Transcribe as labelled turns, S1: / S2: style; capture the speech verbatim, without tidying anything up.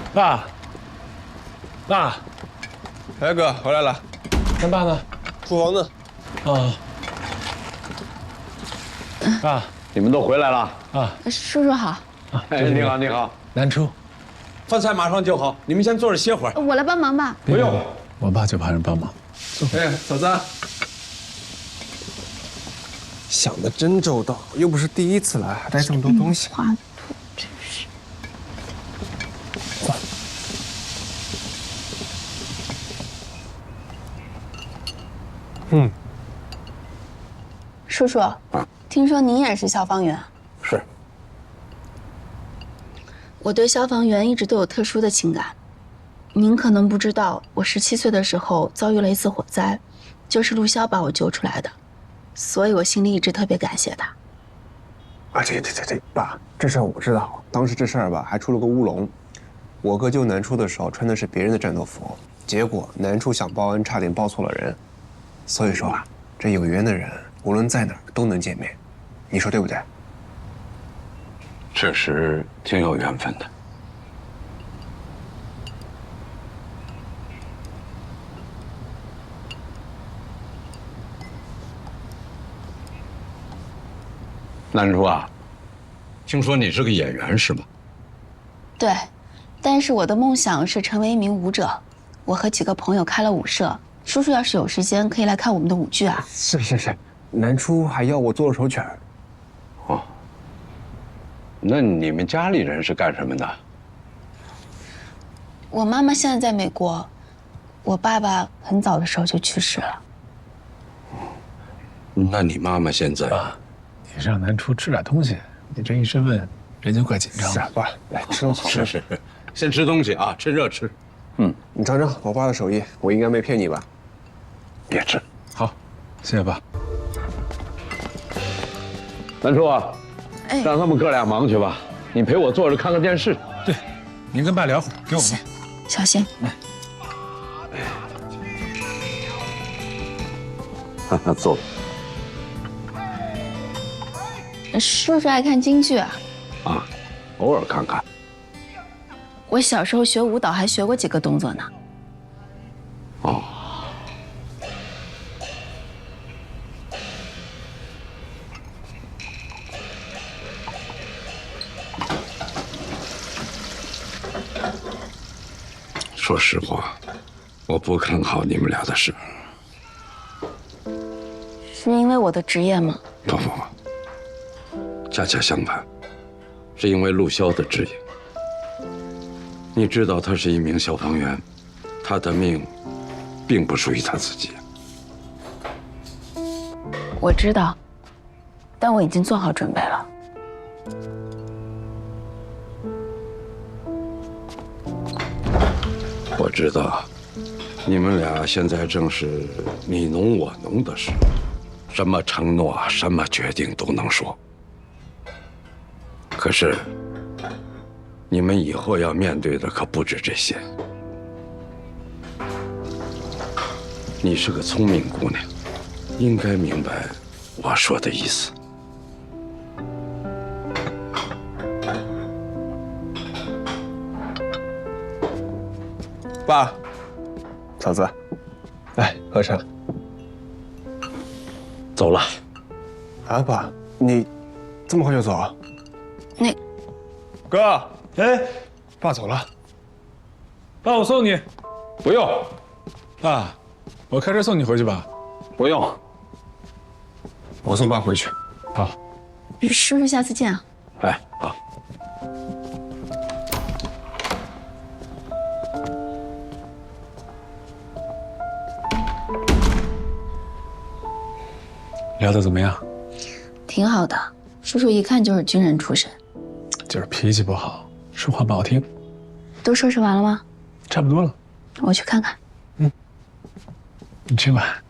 S1: 爸，爸，
S2: 哎哥，回来了。
S1: 咱爸呢？
S2: 厨房呢？
S1: 啊。爸，
S3: 你们都回来了
S1: 啊！
S4: 叔叔好。
S3: 哎，你好，你好。
S1: 南初，
S2: 饭菜马上就好，你们先坐着歇会儿。
S4: 我来帮忙吧。
S1: 不用，我爸就怕人帮忙。
S2: 哎，嫂子，想的真周到，又不是第一次来，还带这么多东西。
S4: 画图真是。
S2: 嗯。
S4: 叔叔，听说您也是消防员？
S3: 是。
S4: 我对消防员一直都有特殊的情感。您可能不知道，我十七岁的时候遭遇了一次火灾，就是陆潇把我救出来的，所以我心里一直特别感谢他。
S2: 啊，对对对对，爸，这事儿我知道。当时这事儿吧，还出了个乌龙。我哥救南初的时候穿的是别人的战斗服，结果南初想报恩，差点报错了人。所以说啊，这有缘的人，无论在哪儿都能见面，你说对不对？
S3: 确实挺有缘分的。南初啊，听说你是个演员是吗？
S4: 对，但是我的梦想是成为一名舞者。我和几个朋友开了舞社，叔叔要是有时间，可以来看我们的舞剧啊。
S2: 是是是，南初还要我做了首曲儿。
S3: 哦，那你们家里人是干什么的？
S4: 我妈妈现在在美国，我爸爸很早的时候就去世了。
S3: 那你妈妈现在？
S1: 爸，你让南初吃点东西，你这一身问，人就怪紧张。
S2: 是啊，爸，来吃东西。
S3: 是是是，先吃东西啊，趁热吃。嗯，
S2: 你尝尝我爸的手艺，我应该没骗你吧？
S3: 别吃。
S1: 好，谢谢爸。
S3: 南初啊，
S4: 哎，
S3: 让他们哥俩忙去吧，你陪我坐着看看电视。
S1: 对，您跟爸聊会儿，给我们。
S4: 小心。
S3: 哈哈，坐。
S4: 叔叔爱看京剧啊？
S3: 啊，偶尔看看。
S4: 我小时候学舞蹈还学过几个动作呢。
S3: 哦。说实话，我不看好你们俩的事。
S4: 是因为我的职业吗？
S3: 不不不，恰恰相反，是因为陆潇的指引。你知道他是一名消防员，他的命并不属于他自己。
S4: 我知道，但我已经做好准备了。
S3: 我知道，你们俩现在正是你侬我侬的时候，什么承诺、什么决定都能说。可是，你们以后要面对的可不止这些。你是个聪明姑娘，应该明白我说的意思。
S2: 爸，嫂子，来喝茶。
S3: 走了。
S2: 啊，爸，你这么快就走啊？
S4: 那
S2: 哥，
S1: 哎，
S2: 爸走了。
S1: 爸，我送你。
S3: 不用。
S1: 爸，我开车送你回去吧。
S3: 不用。
S2: 我送爸回去。
S1: 好。
S4: 叔叔，下次见啊。
S3: 哎，好。
S1: 聊得怎么样？
S4: 挺好的，叔叔一看就是军人出身。
S1: 就是脾气不好，说话不好听。
S4: 都收拾完了吗？
S1: 差不多了。
S4: 我去看看。
S1: 嗯，你去吧。